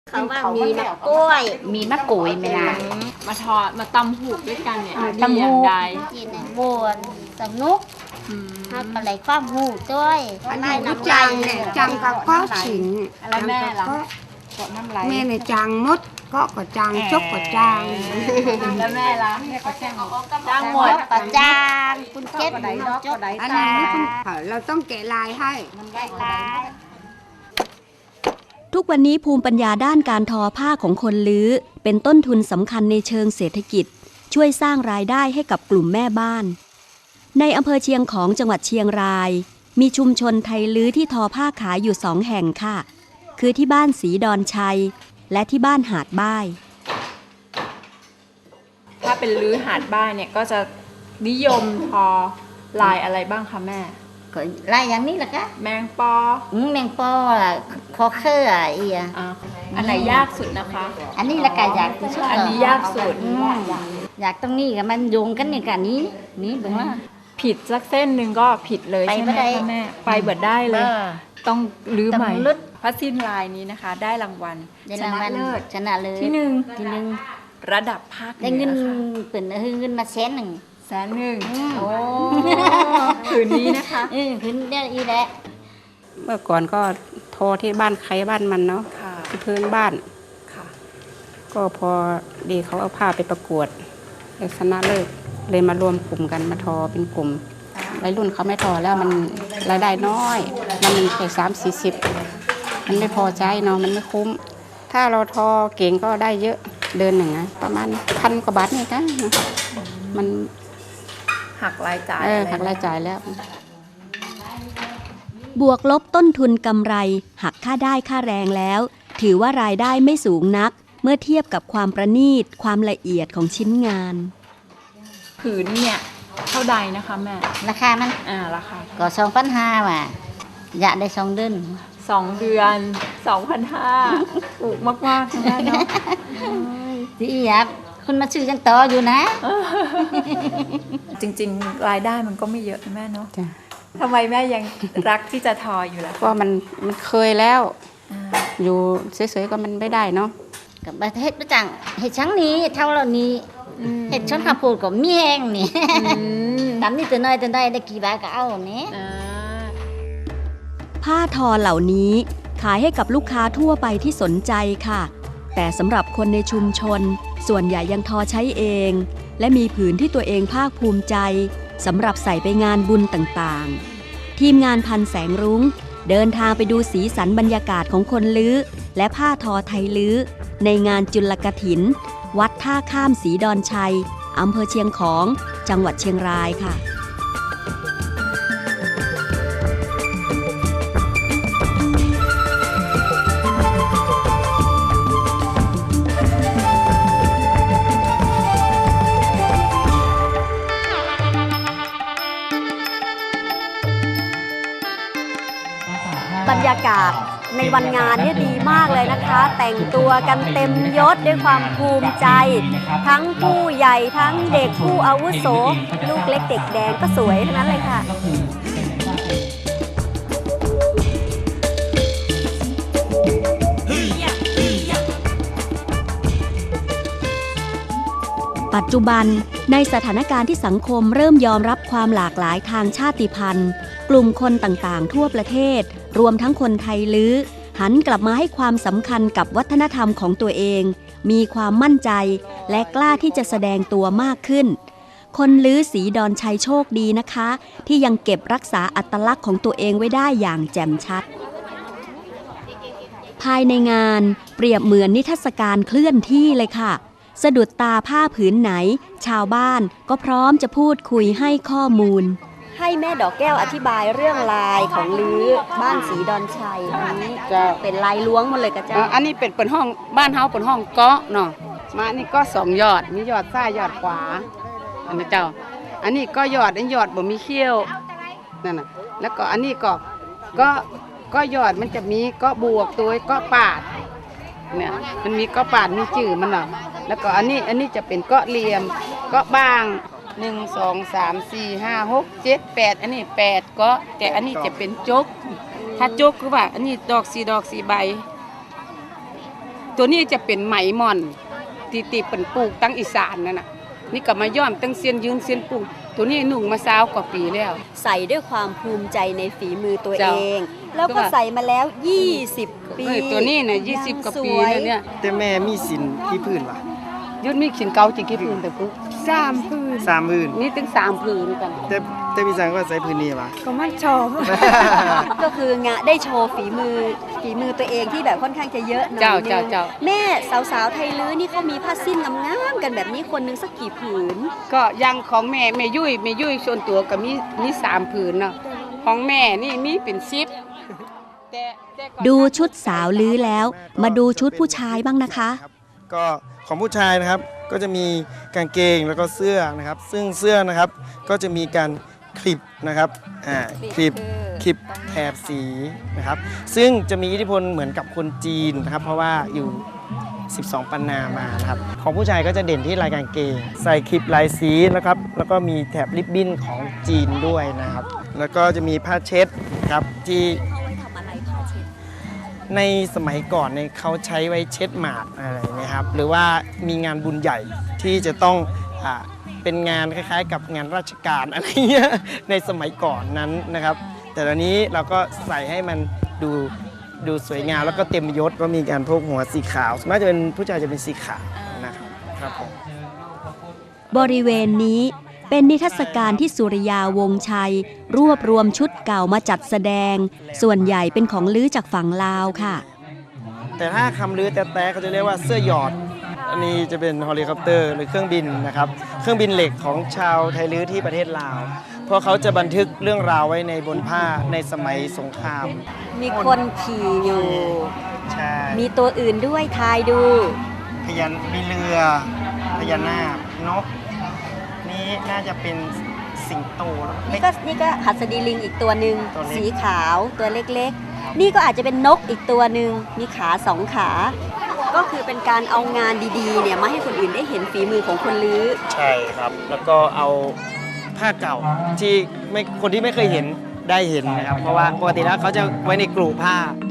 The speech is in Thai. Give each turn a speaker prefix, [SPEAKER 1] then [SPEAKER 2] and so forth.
[SPEAKER 1] เขาว่ามีมะกล้วย
[SPEAKER 2] มีมะกรูดไหมล่ะ
[SPEAKER 3] มาทอดมาตำหูกด้วยกันเนี่ย
[SPEAKER 2] ตำหูก
[SPEAKER 3] ดีอย่างใด
[SPEAKER 1] กินในบวนสนุก
[SPEAKER 3] อืม
[SPEAKER 1] ทำอะไรความหูด้วย
[SPEAKER 4] อันนี้จังเนี่ยจังกับก็ฉิง
[SPEAKER 3] แล้วแม่ล่ะ
[SPEAKER 2] ก็น้ำไหล
[SPEAKER 4] แม่เนี่ยจังมดก็จังจกก็จัง
[SPEAKER 3] แล้วแม่ล่ะจ้างหมด
[SPEAKER 1] ปะจางคุณเก็บจก
[SPEAKER 4] อันนี้เราต้องแกะลายให้
[SPEAKER 5] ทุกวันนี้ภูมิปัญญาด้านการทอผ้าของคนลื้อเป็นต้นทุนสำคัญในเชิงเศรษฐกิจ ช่วยสร้างรายได้ให้กับกลุ่มแม่บ้าน ในอำเภอเชียงของจังหวัดเชียงราย มีชุมชนไทยลื้อที่ทอผ้าขายอยู่2 แห่งค่ะ คือที่บ้านศรีดอนชัย และที่บ้านหาดบ้าย
[SPEAKER 3] ถ้าเป็นลื้อหาดบ้านเนี่ยก็จะนิยมทอลายอะไรบ้างคะแม่
[SPEAKER 1] ก็ลายอย่างนี้แหละกะ
[SPEAKER 3] แมงปอ
[SPEAKER 1] แมงปอล่ะคอเครืออีอ่ะ
[SPEAKER 3] อ่ะอันไหนยากสุดนะคะ
[SPEAKER 1] อันนี้ละกะอยากที่สุด
[SPEAKER 3] อันนี้ยากสุด
[SPEAKER 1] อยากตรงนี้กับมันโยงกันเนี่ยกันนี้นี่เบิ่งว่า
[SPEAKER 3] ผิดสักเส้นหนึ่งก็ผิดเลย
[SPEAKER 1] ไป
[SPEAKER 3] ใช่ไหม
[SPEAKER 1] ไม่ได้
[SPEAKER 3] คะแม่ไปเบิดได้เลย ต้องลื้อใหม่
[SPEAKER 1] ต้องลื้อ
[SPEAKER 3] พระสิ้นลายนี้นะคะ ได้รางวัล
[SPEAKER 1] ได้
[SPEAKER 3] ช
[SPEAKER 1] ราง
[SPEAKER 3] นะ
[SPEAKER 1] วัล
[SPEAKER 3] เลิศ
[SPEAKER 1] ชนะเลย
[SPEAKER 3] ที่หนึ่ง
[SPEAKER 1] ที่หนึ่ง
[SPEAKER 3] ระดับภาค
[SPEAKER 1] ได้เงิน
[SPEAKER 3] หอค่ะ
[SPEAKER 1] เปิ่นเงินมา100,000
[SPEAKER 3] 100,000โอ้ผืนนี้นะคะ
[SPEAKER 1] ขึ้นได้อีแหละ
[SPEAKER 2] เมื่อก่อนก็โทรที่บ้านใครบ้านมันเนาะ
[SPEAKER 3] ค่ะ
[SPEAKER 2] ที่พื้นบ้าน
[SPEAKER 3] ค่ะ
[SPEAKER 2] ก็พอดีเขาเอาผ้าไปประกวดเลยชนะเลิศเลยมารวมกลุ่มกันมาทอเป็นกลุ่มวัยรุ่นเขาไม่ทอแล้วมันรายได้น้อย มันแค่30-40มันไม่พอใจเนาะมันไม่คุ้ม ถ้าเราทอเก่งก็ได้เยอะเดือนหนึ่งนะประมาณ1,000 กว่าบาทนี่นะมัน
[SPEAKER 3] หักรายจ่าย
[SPEAKER 2] หักรายจ่ายแล้ว
[SPEAKER 5] บวกลบต้นทุนกำไรหักค่าได้ค่าแรงแล้ว ถือว่ารายได้ไม่สูงนัก เมื่อเทียบกับความประณีตความละเอียดของชิ้นงาน
[SPEAKER 3] ผืนเนี่ยเท่าใดนะคะแม่
[SPEAKER 1] ราคามัน
[SPEAKER 3] ราคา
[SPEAKER 1] ก็2,500ว่ะอยากได้2 เดือน
[SPEAKER 3] 2 เดือน 2,500ถูกมากๆนะแม่เนาะ
[SPEAKER 1] ที่อยากคุณมาซื้อจังต่ออยู่นะ
[SPEAKER 3] จริงๆ รายได้มันก็ไม่เยอะนะแม่เนาะ
[SPEAKER 2] จ้ะ
[SPEAKER 3] ทำไมแม่ยังรักที่จะทออยู่ล่ะ
[SPEAKER 2] ก็มันเคยแล้ว อยู่เฉยๆก็มันไม่ได้เนาะ
[SPEAKER 1] กับประเทศประจังเห็ดชั้งนี้เท่าเหล่านี้เห็ดช้อนข้าวโพดก็มีแห้งนี่ ตามนี่ตัวน้อยตัวได้ได้กี่บาทก็เอาเนี่ย
[SPEAKER 5] ผ้าทอเหล่านี้ขายให้กับลูกค้าทั่วไปที่สนใจค่ะ แต่สำหรับคนในชุมชนส่วนใหญ่ยังทอใช้เอง และมีผืนที่ตัวเองภาคภูมิใจสำหรับใส่ไปงานบุญต่างๆ ทีมงานพันแสงรุ้งเดินทางไปดูสีสันบรรยากาศของคนลื้อและผ้าทอไทยลื้อในงานจุลกฐิน วัดท่าข้ามศรีดอนชัยอำเภอเชียงของจังหวัดเชียงรายค่ะ บรรยากาศในวันงานเนี่ยดีมากเลยนะคะ แต่งตัวกันเต็มยศด้วยความภูมิใจ ทั้งผู้ใหญ่ทั้งเด็กผู้อาวุโส ลูกเล็กเด็กแดงก็สวยทั้งนั้นเลยค่ะ ปัจจุบันในสถานการณ์ที่สังคมเริ่มยอมรับความหลากหลายทางชาติพันธุ์ กลุ่มคนต่างๆ ทั่วประเทศ รวมทั้งคนไทยลื้อหันกลับมาให้ความสำคัญกับวัฒนธรรมของตัวเอง มีความมั่นใจและกล้าที่จะแสดงตัวมากขึ้น คนลื้อศรีดอนชัยโชคดีนะคะ ที่ยังเก็บรักษาอัตลักษณ์ของตัวเองไว้ได้อย่างแจ่มชัด ภายในงานเปรียบเหมือนนิทรรศการเคลื่อนที่เลยค่ะ สะดุดตาผ้าผืนไหน ชาวบ้านก็พร้อมจะพูดคุยให้ข้อมูล ให้แม่ดอกแก้วอธิบายเรื่องลายของลื้อบ้านศรีดอนชัยอันนี้จะเป็นลายล้วงหมดเลยกะเจ้า
[SPEAKER 2] อันนี้เป็นห้องบ้านเฮาเป็นห้องเกาะเนาะมาอันนี้ก็2 ยอดมียอดซ้ายยอดขวาอันนี้เจ้า อันนี้ก็ยอดบ่มีเขี้ยวนั่นน่ะแล้วก็อันนี้ก็ยอดมันจะมีก็บวกตัวก็ปาดเนี่ยมันมีก็ปาดมีจื่อมันเนาะแล้วก็อันนี้จะเป็นก็เหลี่ยมก็บาง1 2 3 4 5 6 7 8อันนี้8ก็แต่อันนี้จะเป็นจกถ้าจกคือว่าอันนี้ดอก4 ใบตัวนี้จะเป็นไหมหม่อนที่เป็นปลูกตั้งอีสานนั่นน่ะนี่ก็มาย้อมตั้งเสียนยืนเสียนปลูกตัวนี้นุ่งมา20 กว่าปีแล้ว
[SPEAKER 5] ใส่ด้วยความภูมิใจในฝีมือตัวเอ
[SPEAKER 2] เจ้า
[SPEAKER 5] ง แล้วก็ใส่มาแล้ว 20 ปี
[SPEAKER 2] ตัวนี้น่ะ20 กว่าปีแล้วเนี่ย
[SPEAKER 6] แต่แม่มีสินที่พื้นวะ
[SPEAKER 2] ยุดมีขินเก่าจิกี่พื้นแต่ปุ๊บ
[SPEAKER 4] 3 พื้น
[SPEAKER 6] 3พื้น
[SPEAKER 2] นี่ถึง3พื้นกัน
[SPEAKER 6] แต่พี่สังก็ใส่พื้นนี้วะ
[SPEAKER 4] ก็มันชอบ
[SPEAKER 5] ก็คืองะได้โชว์ฝีมือตัวเองที่แบบค่อนข้างจะเยอะหน่อย
[SPEAKER 2] เจ้า
[SPEAKER 5] นึง
[SPEAKER 2] เจ้าเจ้า
[SPEAKER 5] แม่สาวๆไทยลื้อนี่เขามีผ้าสิ้นงามๆกันแบบนี้คนหนึงสักกี่ผืน
[SPEAKER 2] ก็อยังของแม่ยุ้ยส่วนตัวก็มี3ผืนเนาะของแม่นี่มีเป็น10แต่ก่อน
[SPEAKER 5] ดูชุดสาวลื้อแล้ว มาดูชุดผู้ชายบ้างนะคะ
[SPEAKER 6] ก็ของผู้ชายนะครับก็จะมีกางเกงแล้วก็เสื้อนะครับ ซึ่งเสื้อนะครับก็จะมีการคลิปนะครับคลิปแถบสีนะครับ ซึ่งจะมีอิทธิพลเหมือนกับคนจีนนะครับ เพราะว่าอยู่ 12 ปันนามานะครับของผู้ชายก็จะเด่นที่ลายกางเกง ใส่คลิปลายสีนะครับแล้วก็มีแถบริบบิ้นของจีนด้วยนะครับ แล้วก็จะมีผ้าเช็ดครับที่ในสมัยก่อนเนี่ยเขาใช้ไว้เช็ดหมาดอะไรนะครับหรือว่ามีงานบุญใหญ่ที่จะต้องเป็นงานคล้ายๆ กับงานราชการอะไรเงี้ยในสมัยก่อนนั้นนะครับ แต่ตอนนี้เราก็ใส่ให้มันดูสวยงามแล้วก็เต็มยศก็มีการพกหัวสีขาวส่วนมากจะเป็นผู้ชายจะเป็นสีขาวนะครับครับผม
[SPEAKER 5] บริเวณนี้เป็นนิทรรศการที่สุริยาวงศ์ชัย รวบรวมชุดเก่ามาจัดแสดง ส่วนใหญ่เป็นของลื้อจากฝั่งลาวค่ะ
[SPEAKER 6] แต่ถ้าคำลือแต๊ะๆเขาจะเรียกว่าเสื้อหยอด อันนี้จะเป็นเฮลิคอปเตอร์หรือเครื่องบินนะครับ เครื่องบินเหล็กของชาวไทยลื้อที่ประเทศลาว เพราะเขาจะบันทึกเรื่องราวไว้ในบนผ้าในสมัยสงคราม
[SPEAKER 5] มีคนขี่อยู่
[SPEAKER 6] ใช่
[SPEAKER 5] มีตัวอื่นด้วยทายดู
[SPEAKER 6] มีเรือพญานาคนกนี่น่าจะเป็นสิงโตแล้ว
[SPEAKER 5] นี่ก็หัสดีลิงอีกตัวหนึ่ง
[SPEAKER 6] ตัวเล็ก
[SPEAKER 5] สีขาวตัวเล็กๆ นี่ก็อาจจะเป็นนกอีกตัวหนึ่งมีขา2 ขา ก็คือเป็นการเอางานดีๆเนี่ยมาให้คนอื่นได้เห็นฝีมือของคนลื้อ
[SPEAKER 6] ใช่ครับ แล้วก็เอาผ้าเก่าที่คนที่ไม่เคยเห็นได้เห็นนะครับ เพราะว่าปกติแล้วเขาจะไว้ในกลุ่ผ้า